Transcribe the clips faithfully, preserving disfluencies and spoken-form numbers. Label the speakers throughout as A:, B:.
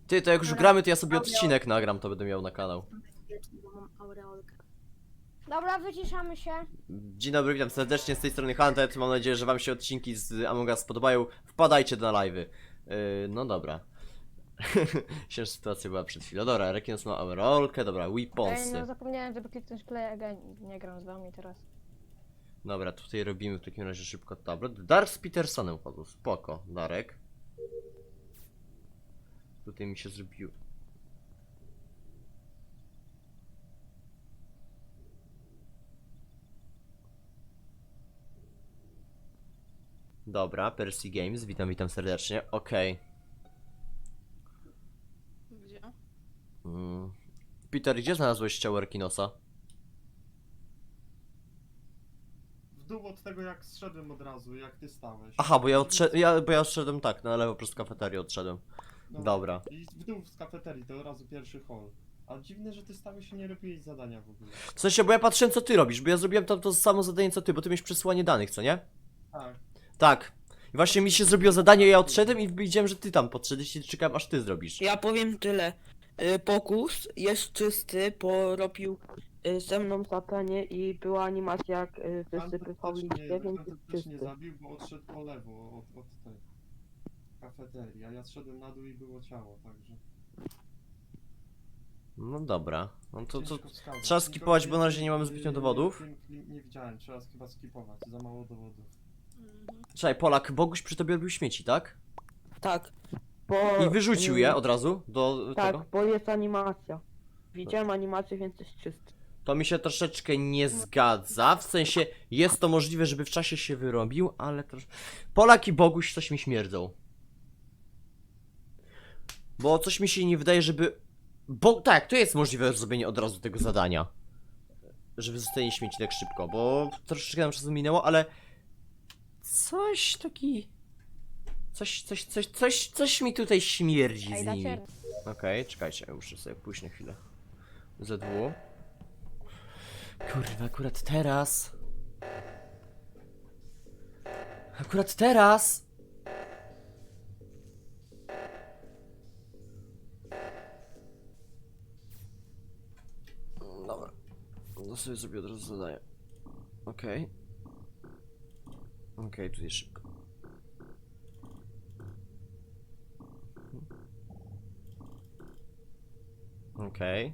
A: Ty, to jak już
B: Dobra.
A: gramy, to ja sobie
B: Aureol.
A: odcinek nagram, to będę miał na kanał.
B: Bo mam aureolkę.
C: Dobra, wyciszamy się.
A: Dzień dobry, witam serdecznie, z tej strony Hunted. Mam nadzieję, że wam się odcinki z Among Us podobają. Wpadajcie na live'y. Yy, no dobra. Ciężka sytuacja była przed chwilą. Dobra, Rekinos ma aureolkę, dobra,
C: Ej,
A: weaponsy.
C: no zapomniałem, żeby kliknąć play again. Nie gram z wami teraz.
A: Dobra, tutaj robimy w takim razie szybko tablet. Dark z Petersonem padł, spoko, Darek. Tutaj mi się zrobiło. Dobra, Percy Games, witam, witam serdecznie, okej.
D: Gdzie?
A: Mm. Peter, gdzie znalazłeś ciało Rekinosa?
E: W dół od tego jak zszedłem od razu, jak ty stałeś.
A: Aha, bo ja odszedłem, ja, bo ja odszedłem tak, na lewo przez kafeterię odszedłem.
E: No,
A: Dobra.
E: I w dół z kafeterii, to od razu pierwszy hall. Ale dziwne, że ty stałeś i nie robiłeś zadania w ogóle.
A: W sensie, bo ja patrzyłem co ty robisz, bo ja zrobiłem tam to samo zadanie co ty, bo ty miałeś przesłanie danych, co nie?
E: Tak.
A: Tak. I właśnie mi się zrobiło zadanie, ja odszedłem i widziałem, że ty tam podszedłeś i czekałem aż ty zrobisz.
F: Ja powiem tyle. Y, Pokus jest czysty, bo robił y, ze mną satanie i była animacja jak y, wysypywał
E: Tamten też
F: liście,
E: mnie-
F: więc
E: tamten
F: jest
E: też nie
F: czysty.
E: zabił, bo odszedł po lewo od, od tej kafeterii, a ja zszedłem na dół i było ciało, także...
A: No dobra. No to, to
E: ciężko wskazać.
A: trzeba
E: Nikogo
A: skipować, bo na razie
E: więcej,
A: nie mamy zbytnio
E: yy,
A: dowodów.
E: Nie, nie widziałem, trzeba chyba skipować, za mało dowodów.
D: Mhm.
A: Czekaj, Polak, Boguś przy tobie robił śmieci, tak?
F: Tak. Bo,
A: I wyrzucił
F: y,
A: je od razu do
F: Tak,
A: tego?
F: bo jest animacja. Widziałem animację, więc jest czysty.
A: To mi się troszeczkę nie zgadza, w sensie jest to możliwe, żeby w czasie się wyrobił, ale trosz... Polak i Boguś coś mi śmierdzą. Bo coś mi się nie wydaje, żeby... Bo tak, to jest możliwe zrobienie od razu tego zadania. Żeby zostanie śmieci tak szybko, bo troszeczkę nam czasu minęło, ale... Coś taki... Coś, coś, coś, coś, coś mi tutaj śmierdzi
C: Ej,
A: z nimi.
C: dacie.
A: Okej, czekajcie, ja muszę sobie pójść na chwilę. Z dwu. Kurwa, akurat teraz. Akurat teraz. Dobra. No sobie zrobię od razu zadanie. Okej. Okej, tutaj szybko. Okej.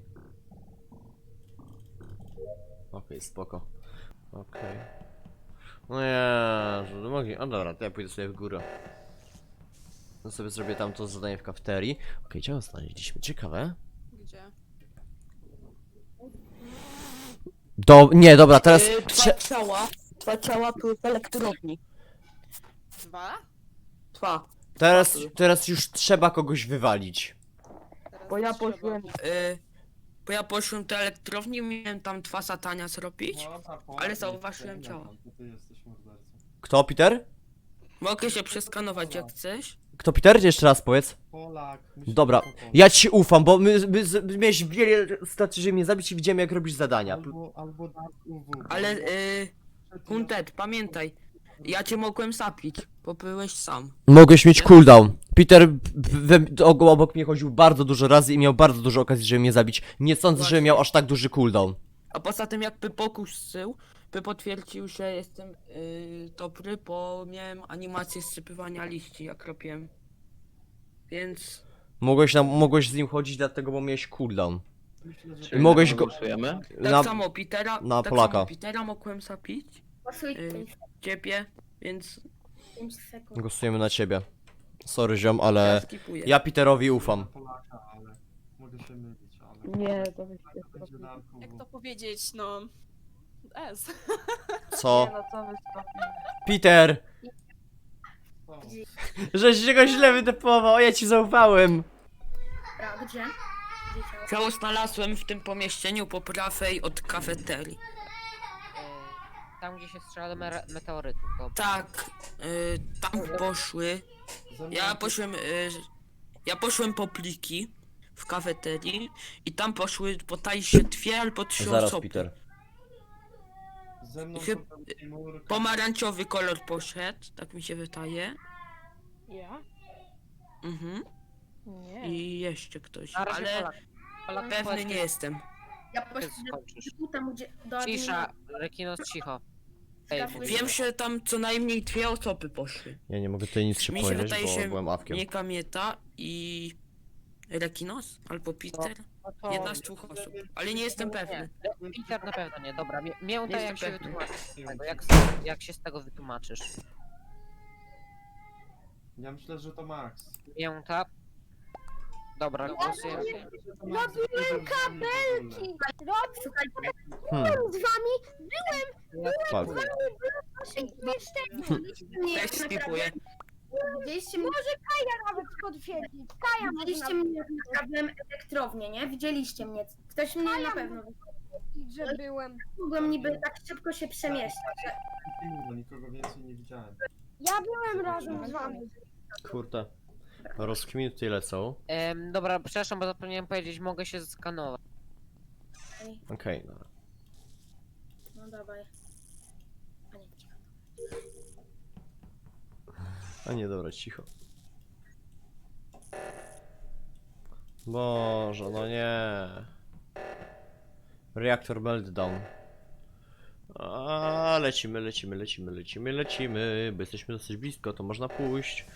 A: Okej, spoko. Okej. No ja, że mogli. O dobra, to ja pójdę sobie w górę. No sobie zrobię tam to zadanie w kafeterii. Okej, ciało znaleźliśmy. Ciekawe.
D: Gdzie?
A: Do... Nie, dobra, teraz...
F: Y, Dwa ciała, dwa ciała były w elektrowni.
D: Dwa?
F: Dwa.
A: Teraz, teraz już trzeba kogoś wywalić.
D: Teraz
F: Bo ja
D: trzeba.
F: poszłem, y, bo ja poszłem do elektrowni, miałem tam dwa satania zrobić.
E: No, ta Polak
F: Ale
E: jest
F: zauważyłem
E: ten,
F: ciało.
E: to ty jesteś mordercą.
A: Kto, Peter?
F: Mogę się przeskanować jak chcesz.
A: Kto, Peter? Jeszcze raz powiedz.
E: Polak, myślę,
A: Dobra,
E: że to Polak.
A: ja ci ufam, bo my, my, my miałeś wiele stacji, żeby mnie zabić i widziałem jak robisz zadania.
E: Albo, albo Dark U W.
F: Ale
E: bo-
F: y, Hunted, pamiętaj, ja cię mogłem zabić, bo byłeś sam.
A: Mogłeś mieć cooldown. Peter w- w- o- obok mnie chodził bardzo dużo razy i miał bardzo dużo okazji, żeby mnie zabić. Nie sądzę, że
F: Właśnie.
A: miał aż tak duży cooldown.
F: A poza tym jakby Pokus sył, by potwierdził, że jestem y, dobry, bo miałem animację zsypywania liści, jak robiłem. Więc
A: Mogłeś, nam, mogłeś z nim chodzić dlatego, bo miałeś cooldown.
E: Myślę, że
A: I mogłeś go...
G: Głosujemy?
F: tak
A: Na,
F: samo Petera,
A: na
F: tak
A: Polaka.
F: samo Petera mogłem zabić,
B: Głosujcie
F: y, ciebie, więc
B: pięć sekund.
A: głosujemy na ciebie. Sorry ziom,
F: ja
A: ale
F: skipuję.
A: ja Peterowi ufam.
E: Polaka, ale mogę się mylić, ale...
F: Nie, to wy
E: To będzie Dark U W.
D: Jak to powiedzieć, no... S.
A: Co?
F: no co wy
A: Peter!
E: O,
A: Żeś się go źle wydepował, ja ci zaufałem.
B: Dobra, gdzie? Gdzie ciało?
F: Ciało znalazłem w tym pomieszczeniu po prawej od kafeterii.
G: Tam gdzie się strzela do mere- meteorytów, to...
F: Tak, y, tam poszły.
E: ze mną
F: Ja
E: to-
F: poszłem, y, ja poszłem po pliki w kafeterii i tam poszły, potaj się dwie albo trzy
A: Zaraz,
F: osoby.
A: Peter.
E: Ze mną
F: Chyb-
E: to ten Timur,
F: Pomarańczowy kolor poszedł, tak mi się wydaje.
C: Ja?
F: Mhm.
C: Nie.
F: I jeszcze ktoś,
G: Na razie
F: ale
G: Polak. Polak
F: pewny
G: powiedz,
F: nie jestem.
B: Ja
G: kiedy
B: poszedłem
G: skończysz.
B: tam, gdzie do
G: Cisza, Rekinos, cicho. Ej,
B: Zgadzam
G: mówimy.
F: Wiem, że tam co najmniej dwie osoby poszły.
A: Ja nie mogę tutaj nic się
F: Mi się
A: powiedzieć,
F: wydaje,
A: bo
F: że
A: byłem awkiem.
F: nie Kamieta i Rekinos albo Peter.
G: No to...
F: Jedna z dwóch osób, ale nie jestem pewny.
G: Nie, Peter na pewno nie, dobra. Mię- Mięta,
F: Nie
G: jak się
F: jestem pewny.
G: wytłumaczysz z tego? Jak, jak się z tego wytłumaczysz?
E: Ja myślę, że to Max.
G: Mięta. Dobra, głosujemy.
E: Robiłem kabelki!
B: Słuchajcie,
A: Hmm,
B: z wami
A: fuck.
B: nie
F: Też skipuję.
B: Widzieliście mnie,
C: Nawet potwierdzić. Kaja
B: widzieliście mnie jak naprawiłem elektrownię, nie? Widzieliście mnie. Ktoś mnie na pewno
C: powiedzieć, że byłem.
B: mogłem niby tak szybko się przemieszczać. że-
E: No nikogo więcej nie widziałem.
C: Ja byłem razem z wami.
A: Kurde. Rozkminy tutaj lecą.
G: Em, dobra, przepraszam, bo zapomniałem powiedzieć, mogę się zeskanować.
B: Ej,
A: Okej, dobra.
B: no dawaj. A nie, cicho.
A: A nie, dobra, cicho. Boże, no nie. Reaktor meltdown. A, lecimy, lecimy, lecimy, lecimy, lecimy, bo jesteśmy dosyć blisko, to można pójść.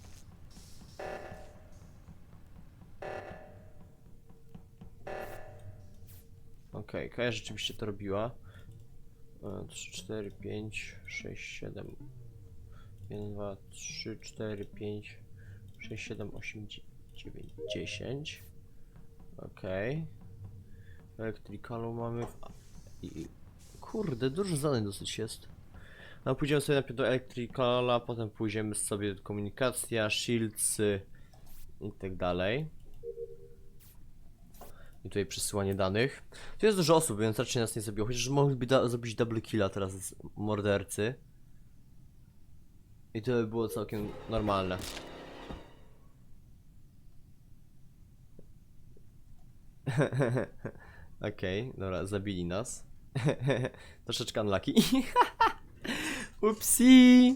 A: Okej, okay, Kaja rzeczywiście to robiła. trzy, cztery, pięć, sześć, siedem. jeden, dwa, trzy, cztery, pięć, sześć, siedem, osiem, dziewięć, dziesięć. Okej. Okay. Electricalu mamy w... I... Kurde, dużo zadań dosyć jest. No pójdziemy sobie najpierw do Electricala, potem pójdziemy sobie do komunikacja, shieldsy i tak dalej. I tutaj przesyłanie danych. Tu jest dużo osób, więc raczej nas nie zabiło. Chociaż mogliby da zrobić double killa teraz z mordercy. I to by było całkiem normalne. Okej, okay, dobra, zabili nas. Troszeczkę unlucky. Upsi!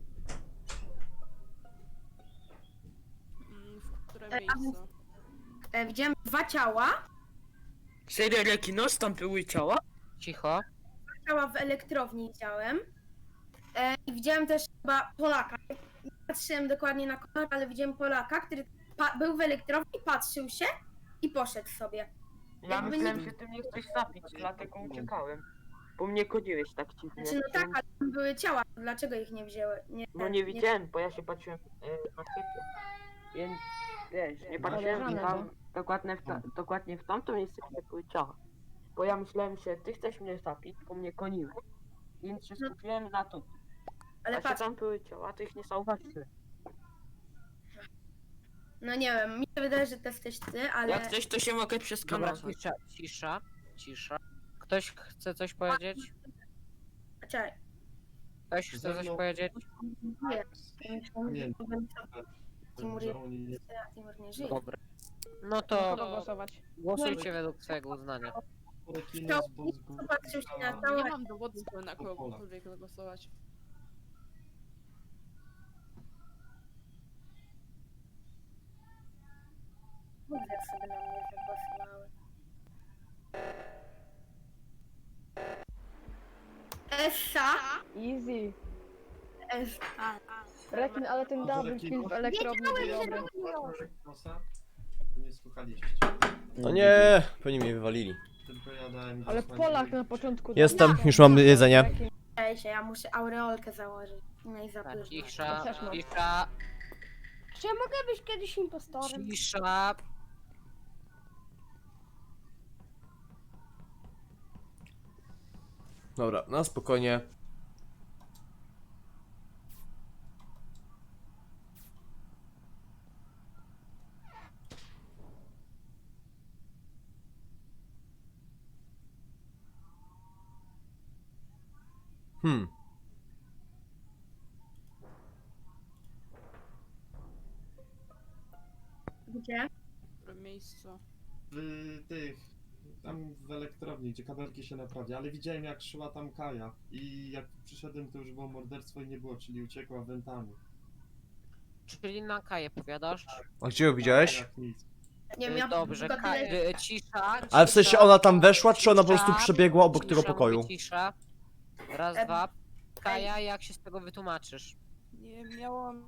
D: Mm, w którym
B: E, a
D: miejscu?
B: E, widziałem dwa ciała.
F: Serio Rekinos, tam były ciała?
G: Cicho.
B: Ciała w elektrowni widziałem. E, I widziałem też chyba Polaka. Nie patrzyłem dokładnie na kolor, ale widziałem Polaka, który pa- był w elektrowni, patrzył się i poszedł sobie.
F: Ja
B: Jakby
F: myślałem,
B: nie-
F: że ty mnie chcesz zabić, dlatego uciekałem. Bo mnie kodziłeś tak dziwnie.
B: Znaczy, no tak, ale tam były ciała. Dlaczego ich nie wzięły? Nie,
F: No nie widziałem, bo ja się patrzyłem e, na ciebie. Więc wiesz, nie patrzyłem
C: Podejrzane,
F: tam dokładnie w, ta, dokładnie w tamto miejsce, gdzie były ciała. Bo ja myślałem, że ty chcesz mnie zabić, bo mnie koniłeś. Więc się skupiłem na to.
B: Ale
F: A że
B: patrz,
F: tam były ciała, to ich nie zauważyłem.
B: no nie wiem, mi się wydaje, że to jesteś ty, ale...
F: Jak chcesz, to się mogę
G: Dobra,
F: przeskanować.
G: cisza, cisza, cisza. Ktoś chce coś powiedzieć?
B: Czekaj,
G: Ktoś chce coś powiedzieć?
B: nie.
E: Nie,
B: Timur,
E: że oni nie...
B: Timur nie żyje.
G: Dobra. No
C: Kogo
G: to
C: głosować?
G: głosujcie według swojego uznania.
E: Rekinos, bo z góry
B: Popatrzył się na
E: ciała-
B: całe...
D: Nie mam dowodu, żeby na
E: Pola.
D: kogokolwiek zagłosować.
B: Kurde, sobie na mnie zagłosowały. Essa?
C: Easy.
B: Essa.
C: Rekin, ale ten double kill w elektrowni był dobry.
E: Rekinosa? Nie słuchaliście.
A: No nie, pewnie mnie wywalili.
E: Tylko ja dałem...
C: Ale
E: zasłaniać-
C: Polak na początku...
A: Jestem, już mam jedzenie.
B: Ej się, ja muszę aureolkę założyć. No i
G: Tak,
B: zapyszno.
G: cisza,
C: też mam.
G: cisza,
C: Czy ja mogę być kiedyś impostorem?
G: cisza.
A: Dobra, na spokojnie. Hmm.
B: Gdzie?
D: W którym miejscu?
E: W tych... Tam w elektrowni, gdzie kabelki się naprawia, ale widziałem jak szła tam Kaja i jak przyszedłem to już było morderstwo i nie było, czyli uciekła wentami.
G: Czyli na Kaję powiadasz?
A: A gdzie ją widziałeś?
E: Jak nic.
B: Nie wiem,
G: Y,
B: ja
G: Dobrze,
B: tylko
G: Ka-
B: tyle-
G: y, cisza,
A: Ale w sensie
G: cisza,
A: ona tam weszła, czy ona po prostu
G: cisza,
A: przebiegła obok tego
G: cisza,
A: pokoju?
G: mówię, Cisza. Raz,
B: Em,
G: dwa. Kaja, jak się z tego wytłumaczysz?
D: Nie miałam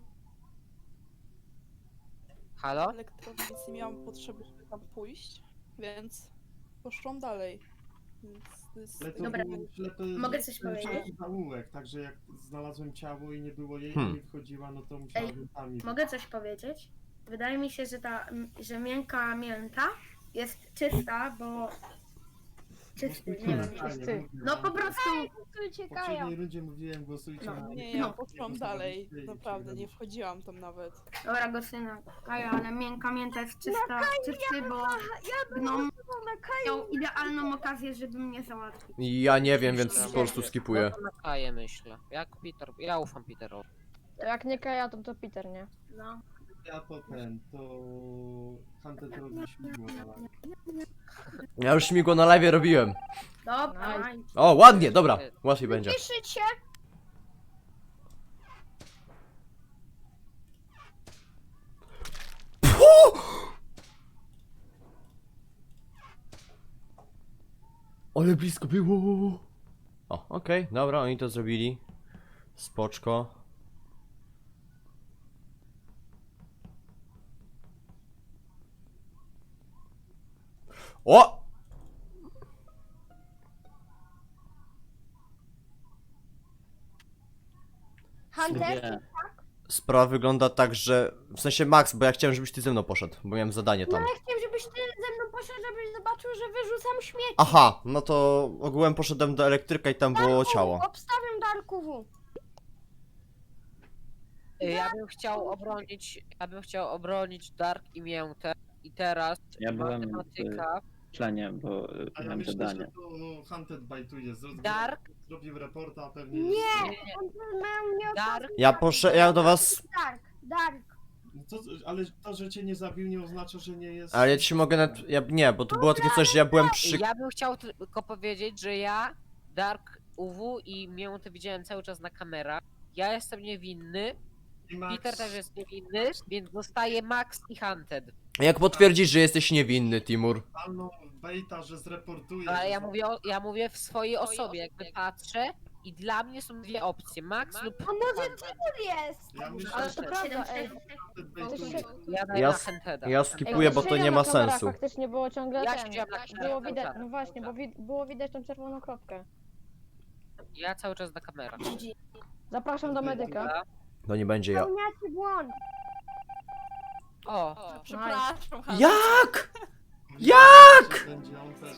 G: Halo?
D: elektrowni, więc nie miałam potrzeby, żeby tam pójść, więc poszłam dalej. Więc to jest
E: Ale to
B: Dobra.
E: był ślepy,
B: Mogę coś
E: ślepy
B: powiedzieć?
E: zaułek, także jak znalazłem ciało i nie było jej,
A: Hmm.
E: a nie wchodziła, no to musiałem tam iść.
B: Mogę coś powiedzieć? Wydaje mi się, że ta, m, że miękka mięta jest czysta, bo... Czysty, nie
E: Głosujcie
B: wiem.
E: na Kanię,
C: czysty.
E: mówię
B: No
E: wam.
B: po prostu...
E: W poprzedniej rundzie mówiłem, głosujcie
B: No.
E: na
D: Nie,
E: mnie.
D: ja
B: No.
D: poszłam dalej,
E: I
D: naprawdę, nie
E: przegraliście.
D: wchodziłam tam nawet.
B: Dobra, Gosyna, Kaja, ale miękka mięta jest czysta, czysty, bo gnom miał idealną okazję, żeby mnie załatwić.
A: Ja nie wiem, więc
G: Myślę,
A: po prostu
G: że-
A: skipuję.
G: No to na Kaję myślę. Jak Peter, ja ufam Peterowi.
C: Jak nie Kaja, to to Peter, nie?
B: No.
E: Ja to ten, to Hunted robi śmigło na live.
A: Ja już śmigło na live robiłem.
B: Dobra,
A: O, ładnie, dobra, łatwiej będzie.
C: Piszcie!
A: Ale blisko było. O, okej, dobra, oni to zrobili. Spoczko. O!
C: Hunter?
A: Sprawa wygląda tak, że... W sensie Max, bo ja chciałem, żebyś ty ze mną poszedł, bo miałem zadanie tam.
C: Chciałem, żebyś ty ze mną poszedł, żebyś zobaczył, że wyrzucam śmieci.
A: Aha, no to ogółem poszedłem do elektryka i tam było ciało.
C: Obstawiam Darku.
G: Y, Ja bym chciał obronić, ja bym chciał obronić Dark i Miętę. I teraz
H: Ja byłem w
G: matematyka.
H: tlenie, bo y,
E: A ja
H: miałem
E: myślę,
H: zadanie.
E: że to Hunted bajtuje. Zrobił,
G: Dark?
E: zrobił reporta, a pewnie...
C: Nie.
G: Nie, nie, nie. Dark,
A: Ja poszedłem, ja do was...
C: Dark, Dark.
E: No to, ale to, że cię nie zabił, nie oznacza, że nie jest...
A: Ale ja ci mogę nawet... Ja, nie, bo to było takie coś, że ja byłem przy...
G: ja bym chciał tylko powiedzieć, że ja, Dark, U W i Miętę widziałem cały czas na kamerach. Ja jestem niewinny,
E: I Max-
G: Peter też jest niewinny, więc zostaje Max i Hunted.
A: Jak potwierdzisz, że jesteś niewinny, Timur?
E: totalną bejta, że zreportuje.
G: Ale
E: że
G: ja
E: za-
G: mówię, o, ja mówię w swojej osobie, jakby patrzę i dla mnie są dwie opcje, Max lub
C: A może
G: Hunted.
C: jest?
E: Ja myślę,
C: Ale
E: że
C: to prawda, ej.
E: Hunted bejtuje.
G: Ja daję
A: Ja
G: na
A: s-
G: Hunteda.
A: Ja skipuję, bo to nie ma sensu.
C: Faktycznie było ciągle
G: Ja
C: ten.
G: siedziałem na kamerach
C: Było
G: cały
C: widać,
G: czas.
C: no właśnie, bo wi było widać tą czerwoną kropkę.
G: Ja cały czas na kamerach.
C: Zapraszam do medyka.
G: Dobra.
A: To nie będzie ja.
C: Pełniacie błąd.
G: O,
D: Przepraszam, Hanna.
A: Jak?
E: Jak? Będzie on też